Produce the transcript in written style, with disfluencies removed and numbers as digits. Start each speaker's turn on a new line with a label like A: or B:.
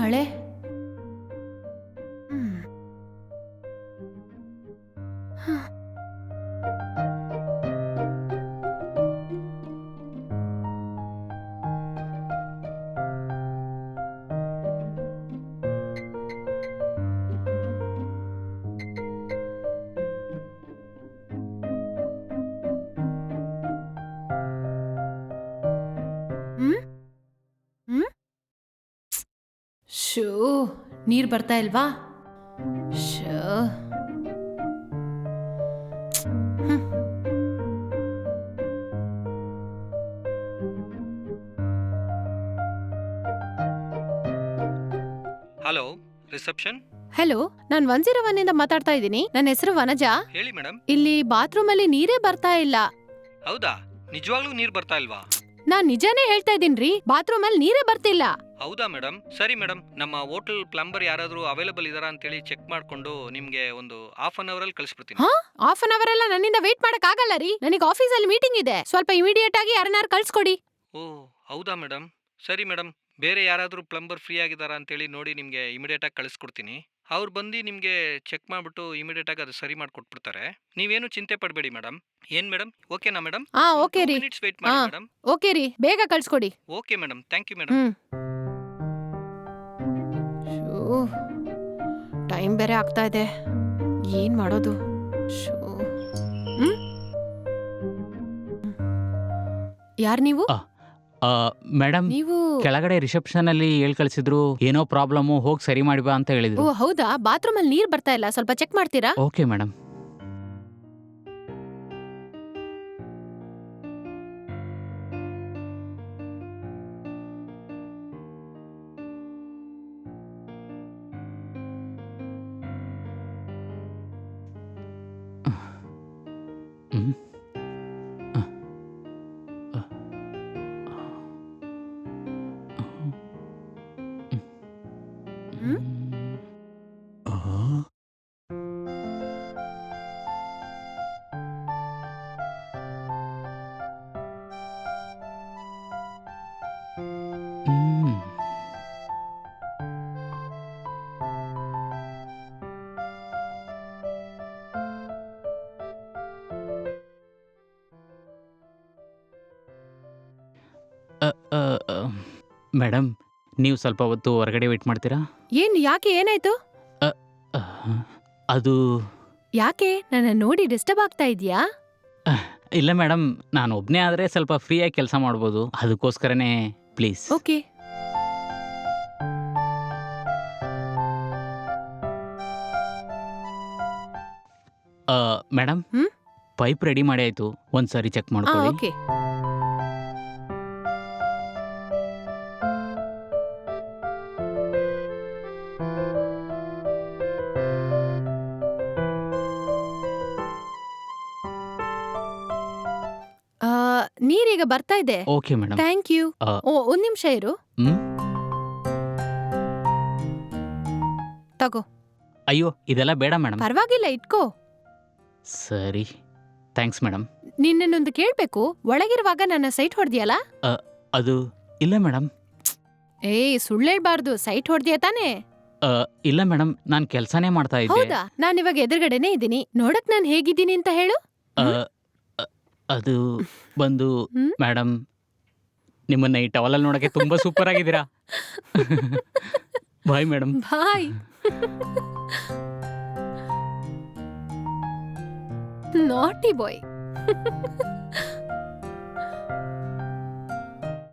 A: ಮಳೆ. ಶೋ, ನೀರ್ ಬರ್ತಾ ಇಲ್ವಾ? ಶೋ.
B: Hello, reception.
A: ಹಲೋ, ನಾನ್ 101 ಇಂದ ಮಾತಾಡ್ತಾ ಇದ್ದೀನಿ. ನನ್ನ ಹೆಸರು ವನಜಾ.
B: ಹೇಳಿ ಮೇಡಮ್.
A: ಇಲ್ಲಿ ಬಾತ್ರೂಮ್ ಅಲ್ಲಿ ನೀರೇ ಬರ್ತಾ ಇಲ್ಲ.
B: ಹೌದಾ? ನಿಜವಾಗ್ಲೂ ನೀರು ಬರ್ತಾ ಇಲ್ವಾ?
A: ನಾನ್ ನಿಜಾನೇ ಹೇಳ್ತಾ ಇದೀನ್ರಿ, ಬಾತ್ರೂಮ್ ಅಲ್ಲಿ ನೀರೇ ಬರ್ತಿಲ್ಲ.
B: ಹೌದಾ ಮೇಡಮ್? ಸರಿ ಮೇಡಮ್, ನಮ್ಮ ಹೋಟೆಲ್ ಪ್ಲಂಬರ್ ಯಾರಾದರೂ ಅವೈಲೇಬಲ್ ಇದಾರಾ ಅಂತೇಳಿ ಚೆಕ್ ಮಾಡ್ಕೊಂಡು ನಿಮಗೆ ಒಂದು ಹಾಫ್ ಅನ್ ಅವರಲ್ಲಿ ಕಳಿಸ್ಬಿಡ್ತೀನಿ.
A: ಹಾಫ್ ಅನ್ ಅವರ್ ಎಲ್ಲ ನನ್ನಿಂದ ವೇಟ್ ಮಾಡಕ್ ಆಗಲ್ಲ ರೀ. ನನಗೆ ಆಫೀಸಲ್ಲಿ ಮೀಟಿಂಗ್ ಇದೆ. ಸ್ವಲ್ಪ ಇಮಿಡಿಯೇಟ್ ಆಗಿ ಯಾರನ್ನಾರು ಕಳ್ಸ್ಕೊಡಿ.
B: ಓ ಹೌದಾ ಮೇಡಮ್? ಸರಿ ಮೇಡಮ್, ಬೇರೆ ಯಾರಾದರೂ ಪ್ಲಂಬರ್ ಫ್ರೀ ಆಗಿದ್ದಾರಾ ಅಂತೇಳಿ ನೋಡಿ ನಿಮಗೆ ಇಮಿಡಿಯೇಟಾಗಿ ಕಳಿಸ್ಕೊಡ್ತೀನಿ. ಅವ್ರು ಬಂದು ನಿಮಗೆ ಚೆಕ್ ಮಾಡಿಬಿಟ್ಟು ಇಮಿಡಿಯೇಟಾಗಿ ಅದು ಸರಿ ಮಾಡಿಕೊಟ್ಬಿಡ್ತಾರೆ. ನೀವೇನು ಚಿಂತೆ ಪಡಬೇಡಿ ಮೇಡಮ್. ಏನು ಮೇಡಮ್, ಓಕೆನಾ ಮೇಡಮ್?
A: ಓಕೆ ರೀ.
B: ಮಿನಿಟ್ಸ್ ವೇಟ್ ಮಾಡಿ ಮೇಡಮ್.
A: ಓಕೆ ರೀ, ಬೇಗ ಕಳ್ಸ್ಕೊಡಿ.
B: Okay madam, thank you madam.
A: Time ಬೇರೆ ಆಗ್ತಾ ಇದೆ, ಏನ್ ಮಾಡೋದು? ಯಾರ್ ನೀವು?
C: ಮೇಡಮ್,
A: ನೀವು
C: ಕೆಳಗಡೆ ರಿಸೆಪ್ಷನ್ ಅಲ್ಲಿ ಹೇಳ್ ಕಳಿಸಿದ್ರು, ಏನೋ ಪ್ರಾಬ್ಲಮ್, ಹೋಗಿ ಸರಿ ಮಾಡಿಬಾ ಅಂತ ಹೇಳಿದ್ರು.
A: ಓ ಹೌದಾ? ಬಾತ್ರೂಮ್ ಅಲ್ಲಿ ನೀರ್ ಬರ್ತಾ ಇಲ್ಲ, ಸ್ವಲ್ಪ ಚೆಕ್ ಮಾಡ್ತೀರಾ?
C: Okay madam. ಮೇಡಮ್, ನೀವು ಸ್ವಲ್ಪ ಹೊತ್ತು ಹೊರಗಡೆ ವೇಟ್ ಮಾಡ್ತೀರಾ?
A: ಯಾಕೆ, ಏನಾಯ್ತು?
C: ಅದು
A: ಯಾಕೆ, ನನ್ನ ನೋಡಿ ಡಿಸ್ಟರ್ಬ್ ಆಗ್ತಾ ಇದೆಯಾ?
C: ಇಲ್ಲ ಮೇಡಮ್, ನಾನು ಒಬ್ಬನೇ ಆದರೆ ಸ್ವಲ್ಪ ಫ್ರೀಯಾಗಿ ಕೆಲಸ ಮಾಡ್ಬೋದು, ಅದಕ್ಕೋಸ್ಕರನೇ. Please.
A: Okay.
C: Madam, pipe ready ಮಾಡಿ ಆಯಿತು, ಒಂದ್ಸರಿ ಚೆಕ್ ಮಾಡ್ಕೊಳ್ಳಿ.
A: ಓಕೆ. ನೀರೀಗ ಬರ್ತಾ ಇದೆ.
C: Okay madam.
A: Thank you. ಒಂದ್ ನಿಮಿಷ ಇರು. ತಗೋ.
C: ಅಯ್ಯೋ, ಇದೆಲ್ಲ ಬೇಡ ಮೇಡಮ್.
A: ಪರವಾಗಿಲ್ಲ, ಇಟ್ಕೋ.
C: ಸರಿ, ಥ್ಯಾಂಕ್ಸ್ ಮೇಡಮ್.
A: ನಿನ್ನನ್ನೊಂದು ಕೇಳ್ಬೇಕು, ಒಳಗಿರುವಾಗ ನನ್ನ ಸೈಟ್ ಹೊಡೆದಿಯಲ್ಲ?
C: ಅದು ಇಲ್ಲ ಮೇಡಮ್.
A: ಸುಳ್ಳೇಳ್ಬಾರ್ದು, ಸೈಟ್ ಹೊಡೆದಿಯ ತಾನೇ?
C: ಇಲ್ಲ ಮೇಡಮ್, ನಾನು ಕೆಲಸನೇ ಮಾಡ್ತಾ ಇದ್ದೆ.
A: ಹೌದಾ? ನಾನಿವಾಗ ಎದುರುಗಡೆನೆ ಇದ್ದೀನಿ. ನೋಡಕ್ ನಾನು ಹೇಗಿದ್ದೀನಿ ಅಂತ ಹೇಳು.
C: ಅದು ಬಂದು ಮೇಡಮ್, ನಿಮ್ಮನ್ನ ಈ ಟವಲಲ್ಲಿ ನೋಡಕ್ಕೆ ತುಂಬಾ ಸೂಪರ್ ಆಗಿದ್ದೀರಾ. Bye madam.
A: ಬಾಯ್. ನಾಟಿ ಬಾಯ್.